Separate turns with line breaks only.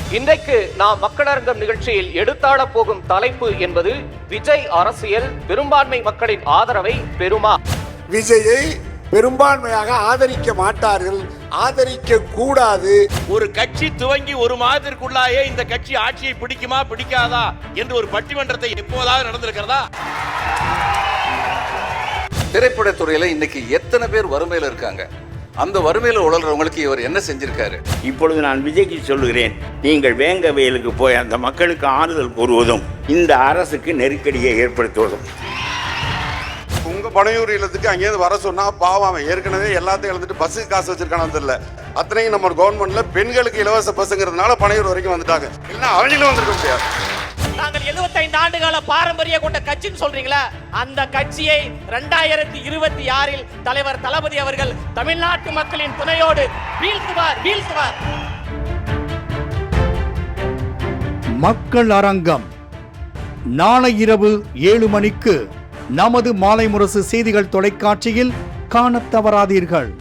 இன்றைக்கு நாம் மக்களரங்கம் நிகழ்ச்சியில் எடுத்தாள போகும் தலைப்பு என்பது விஜய் அரசியல் பெரும்பான்மை மக்களின் ஆதரவை பெறுமா?
விஜயை பெரும்பான்மையாக ஆதரிக்க மாட்டார்கள், ஆதரிக்க கூடாது.
ஒரு கட்சி துவங்கி ஒரு மாதத்திற்குள்ளாயே இந்த கட்சி ஆட்சியை பிடிக்குமா பிடிக்காதா என்று ஒரு பட்டிமன்றத்தை எப்போதாவது நடந்திருக்கிறதா?
திரைப்படத்துறையில இன்னைக்கு எத்தனை பேர் வறுமையில இருக்காங்க? அந்த வறுமையில உழல்றவங்களுக்கு இவர் என்ன செஞ்சிருக்காரு?
இப்பொழுது நான் விஜய்க்கு சொல்லுகிறேன், நீங்கள் வேங்க வயலுக்கு போய் அந்த மக்களுக்கு ஆறுதல் கூறுவதும் இந்த அரசுக்கு நெருக்கடியை ஏற்படுத்துவதும்.
உங்க பனையூர் இல்லத்துக்கு அங்கேயிருந்து வர சொன்னா பாவம், அவன் ஏற்கனவே எல்லாத்தையும் இழந்துட்டு பஸ்ஸுக்கு காசு வச்சிருக்கானு தெரியல. அத்தனையும் நம்ம கவர்மெண்ட்ல பெண்களுக்கு இலவச பஸ்ஸுங்கிறதுனால பனையூர் வரைக்கும் வந்துட்டாங்க. இல்லைன்னா அவங்களும் வந்திருக்க முடியாது.
நாங்கள் 75 ஆண்டுகால பாரம்பரிய கொண்ட கட்சின்னு சொல்றீங்களா? அந்த கட்சியை 2026 தலைவர் தளபதி அவர்கள் தமிழ்நாட்டு மக்களின் துணையோடு வீழ்த்துவார்.
மக்கள் அரங்கம் நாளை இரவு 7 மணிக்கு நமது மாலை முரசு செய்திகள் தொலைக்காட்சியில் காணத் தவறாதீர்கள்.